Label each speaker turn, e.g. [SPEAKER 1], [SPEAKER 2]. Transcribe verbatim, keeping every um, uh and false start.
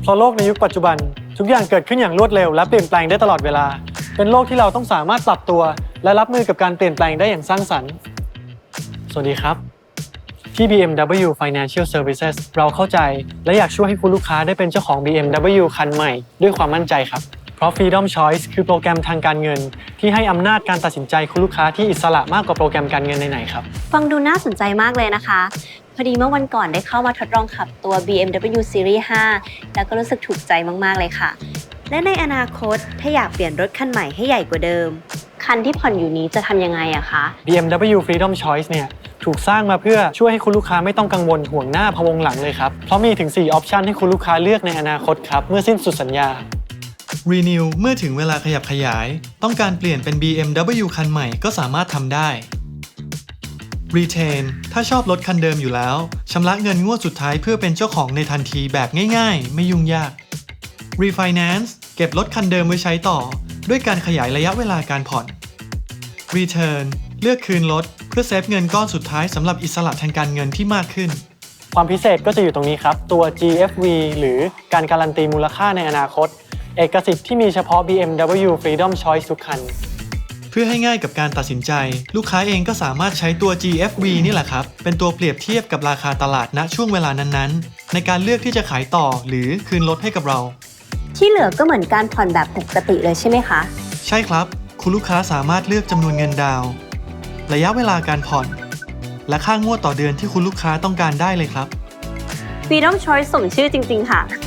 [SPEAKER 1] เพราะโลกในยุคปัจจุบันทุกอย่างเกิดขึ้นอย่างรวดเร็วและเปลี่ยนแปลงได้ตลอดเวลาเป็นโลกที่เราต้องสามารถปรับตัวและรับมือกับการเปลี่ยนแปลงได้อย่างสร้างสรรค์สวัสดีครับที่ บี เอ็ม ดับเบิลยู Financial Services เราเข้าใจและอยากช่วยให้คุณลูกค้าได้เป็นเจ้าของ บี เอ็ม ดับเบิลยู คันใหม่ด้วยความมั่นใจครับเพราะ Freedom Choice คือโปรแกรมทางการเงินที่ให้อำนาจการตัดสินใจคุณลูกค้าที่อิสระมากกว่าโปรแกรมการเงินไหนๆครับ
[SPEAKER 2] ฟังดูน่าสนใจมากเลยนะคะพอดีเมื่อวันก่อนได้เข้ามาทดลองขับตัว บี เอ็ม ดับเบิลยู Series ห้า แล้วก็รู้สึกถูกใจมากๆเลยค่ะและในอนาคตถ้าอยากเปลี่ยนรถคันใหม่ให้ใหญ่กว่าเดิมคันที่ผ่อนอยู่นี้จะทำยังไงอะคะ
[SPEAKER 1] บี เอ็ม ดับเบิลยู Freedom Choice เนี่ยถูกสร้างมาเพื่อช่วยให้คุณลูกค้าไม่ต้องกังวลห่วงหน้าพะวงหลังเลยครับเพราะมีถึงสี่ออปชันให้คุณลูกค้าเลือกในอนาคตครับเมื่อสิ้นสุดสัญญา
[SPEAKER 3] Renew เมื่อถึงเวลาขยับขยายต้องการเปลี่ยนเป็น บี เอ็ม ดับเบิลยู คันใหม่ก็สามารถทำได้ Retain ถ้าชอบรถคันเดิมอยู่แล้วชำระเงินงวดสุดท้ายเพื่อเป็นเจ้าของในทันทีแบบง่ายๆไม่ยุ่งยาก Refinance เก็บรถคันเดิมไว้ใช้ต่อด้วยการขยายระยะเวลาการผ่อน Return เลือกคืนรถเพื่อเซฟเงินก้อนสุดท้ายสำหรับอิสระทางการเงินที่มากขึ้น
[SPEAKER 1] ความพิเศษก็จะอยู่ตรงนี้ครับตัว จี เอฟ วี หรือการการันตีมูลค่าในอนาคตเอกสิทธิ์ที่มีเฉพาะ บี เอ็ม ดับเบิลยู Freedom Choice ทุกคัน
[SPEAKER 3] เพื่อให้ง่ายกับการตัดสินใจลูกค้าเองก็สามารถใช้ตัว จี เอฟ วี นี่แหละครับเป็นตัวเปรียบเทียบกับราคาตลาดณช่วงเวลานั้นๆในการเลือกที่จะขายต่อหรือคืนรถให้กับเรา
[SPEAKER 2] ที่เหลือก็เหมือนการผ่อนแบบปกติเลยใช่ไหมคะ
[SPEAKER 3] ใช่ครับคุณลูกค้าสามารถเลือกจำนวนเงินดาวน์ระยะเวลาการผ่อนและค่างวดต่อเดือนที่คุณลูกค้าต้องการได้เลยครับ
[SPEAKER 2] Freedom Choice สมชื่อจริงๆค่ะ